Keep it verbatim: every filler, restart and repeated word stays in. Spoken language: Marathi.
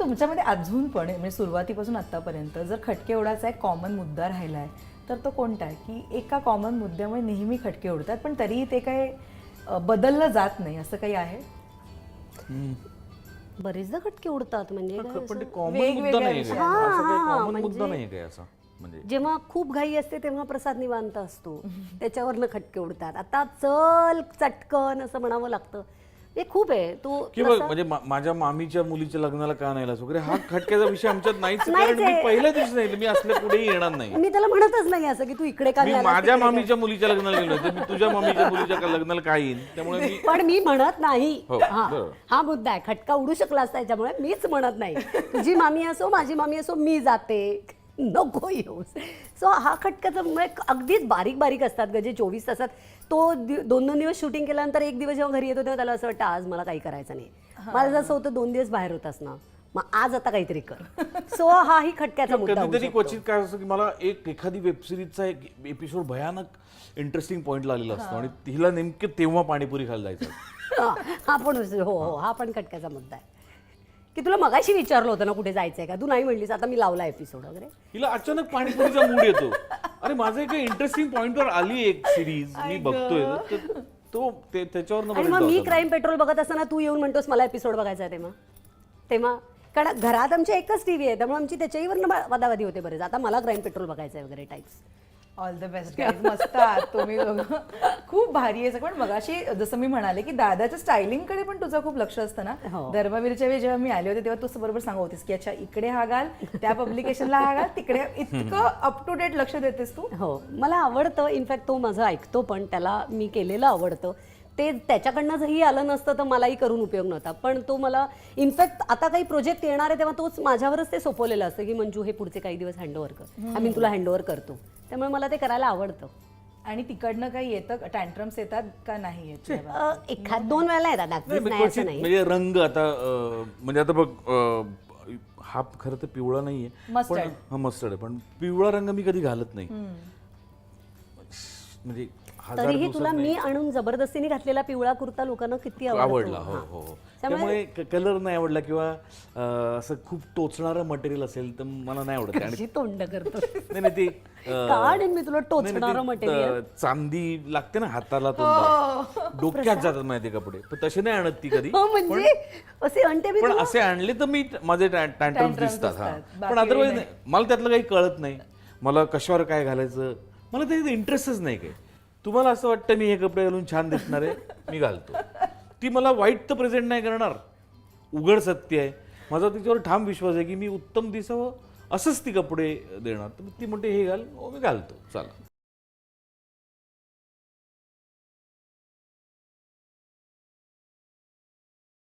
तुमच्यामध्ये अजून पण म्हणजे सुरुवातीपासून आतापर्यंत जर खटके उडाचा एक कॉमन मुद्दा राहिला आहे तर तो कोणता आहे की एका कॉमन मुद्द्यामुळे नेहमी खटके उडतात पण तरीही ते काय अ, बदललं जात नाही असं काही आहे? बरेचदा खटके उडतात म्हणजे काय पण ते असं. कॉमन वेगवेगळ्या मुद्दा नाही विषयांवर. हा, असं काही हा, कॉमन म्हणजे- मुद्दा नाही काय असा म्हणजे जेव्हा खूप घाई असते तेव्हा प्रसाद निवांत असतो त्याच्यावरनं खटके उडतात. आता चल चटकन असं म्हणावं लागतं. हे खूप आहे तो किंवा तसा- म्हणजे मा- माझ्या मामीच्या मुलीच्या लग्नाला का नाही आलास वगैरे हा खटक्याचा विषय आमच्यात नाहीच आहे. नाहीच कारण मी आहे. पहिल्या दिवशी नाही मी असल्या पुढेही येणार नाही. मी त्याला म्हणतच नाही असं की तू इकडे का मी नाही आलास, माझ्या तिकडे का- मामीच्या मुलीच्या लग्नाला गेलो होतो मी तुझ्या मामीच्या मुलीच्या का लग्नाला काय येईन त्यामुळे मी पण मी म्हणत नाही. हो, हा बरोबर. हा मुद्दा आहे. खटका उडू शकला असता त्याच्यामुळे मीच म्हणत नाही. तुझी मामी असो माझी मामी असो मी जाते नको येऊस. सो हा खटकाचा म्हणजे अगदीच बारीक बारीक असतात ग जे चोवीस तासात. तो दि- दोन दोन दिवस शूटिंग केल्यानंतर एक दिवस जेव्हा घरी येतो तेव्हा त्याला असं वाटतं आज मला काही करायचं नाही. मला जसं होतं दोन दिवस बाहेर होतास ना मग आज आता काहीतरी कर. सो हाही खटक्याचा मुद्दा होऊ कधीतरी शकतो. क्वचित काय असतं की मला एक एखादी वेबसिरीजचा एक एपिसोड भयानक इंटरेस्टिंग पॉईंट लागलेला असतो आणि तिला नेमकं तेव्हा पाणीपुरी खायला जायचं असतं. हा हा पण असं- हो हो हा पण खटक्याचा मुद्दा आहे की तुला मगाशी विचारलं होतं ना कुठे जायचंय का तू नाही म्हणलीस आता मी लावला एपिसोड वगैरे. हिला अचानक पाणीपुरीचा मूड येतो. अरे माझं एक इंटरेस्टिंग पॉइंटवर आली एक सिरीज मी बघतोय तर तो ते- त्याच्यावर आणि मग मी क्राईम पेट्रोल बघत असताना तू येऊन म्हणतोस मला एपिसोड बघायचा आहे तेव्हा तेव्हा कारण घरात आमची एकच टीव्ही आहे त्यामुळे आमची त्याच्याहीवर वादावादी होते बरेच. आता मला क्राईम पेट्रोल बघायचं आहे वगैरे types. All the best guys मस्त आहात तुम्ही दोघं. खूप भारी आहे. पण मगाशी जसं मी म्हणाले की दादाच्या स्टायलिंग कडे पण तुझं खूप लक्ष असतं ना. हो. धर्मवीरच्या वेळी जेव्हा मी आले होते तेव्हा तू बरोबर सांगत होतीस की अच्छा इकडे हा घाल त्या पब्लिकेशनला हा घाल तिकडे इतकं अप टू डेट लक्ष देतेस तू. हो मला आवडतं. इनफॅक्ट तो माझं ऐकतो पण त्याला मी केलेलं आवडतं. ते त्याच्याकडनं जरी आलं नसतं तर मलाही करून उपयोग नव्हता. पण तो मला इनफॅक्ट आता काही प्रोजेक्ट येणार आहे तेव्हा तोच माझ्यावरच ते सोपवलेलं असतं की मंजू हे पुढचे काही दिवस हँडओव्हर कर आम्ही तुला हँडओव्हर करतो. त्यामुळे मला ते करायला आवडतं. आणि तिकडनं काही येतं टँट्रम्स येतात का नाही येत तेव्हा? अ, एखाद दोन वेळेला येतात नाही, अगदीच म्हणजे नाही असं क्वचित नाही. म्हणजे रंग आता अं, म्हणजे आता बघ अं, हा खरं तर पिवळा नाहीये Mustard. पण हा मस्टर्ड आहे पण पिवळा रंग मी कधी घालत नाही. म्हणजे हजार तरीही दिवसात तुला नाही. मी आणून जबरदस्तीने घातलेला पिवळा कुर्ता लोकांना किती आवडतो. आवडला हो हा. हो हो. त्यामुळे- त्यामुळे कलर नाही आवडला किंवा अं, असं खूप टोचणारं मटेरियल असेल तर मला नाही आवडत. आणि कशी तोंड करतो नाही नाही ते अं, का आणीन मी तुला नाही, नाही, टोचणारं ते, मटेरियल. अं, चांदी लागते ना हाताला तोंडाला डोक्यात जातात माहिती कपडे पण तसे नाही आणत ती कधी. हो म्हणजे असे आणते मी पण तुला. असे आणले तर मी माझे टँट्रम्स Tantrums दिसतात हा दिसतात. पण बाकी अदरवाईज मला त्यातलं काही कळत नाही. मला कशावर काय घालायचं मला त्याच्यात इंटरेस्टच नाही काही. तुम्हाला असं वाटतं मी हे कपडे घालून छान दिसणार आहे मी घालतो. ती मला वाईट तर प्रेझेंट नाही करणार उघड सत्य आहे. माझा तिच्यावर ठाम विश्वास आहे की मी उत्तम दिसावं असंच ती कपडे देणार. तर ती म्हणते हे घाल हो मी घालतो चला.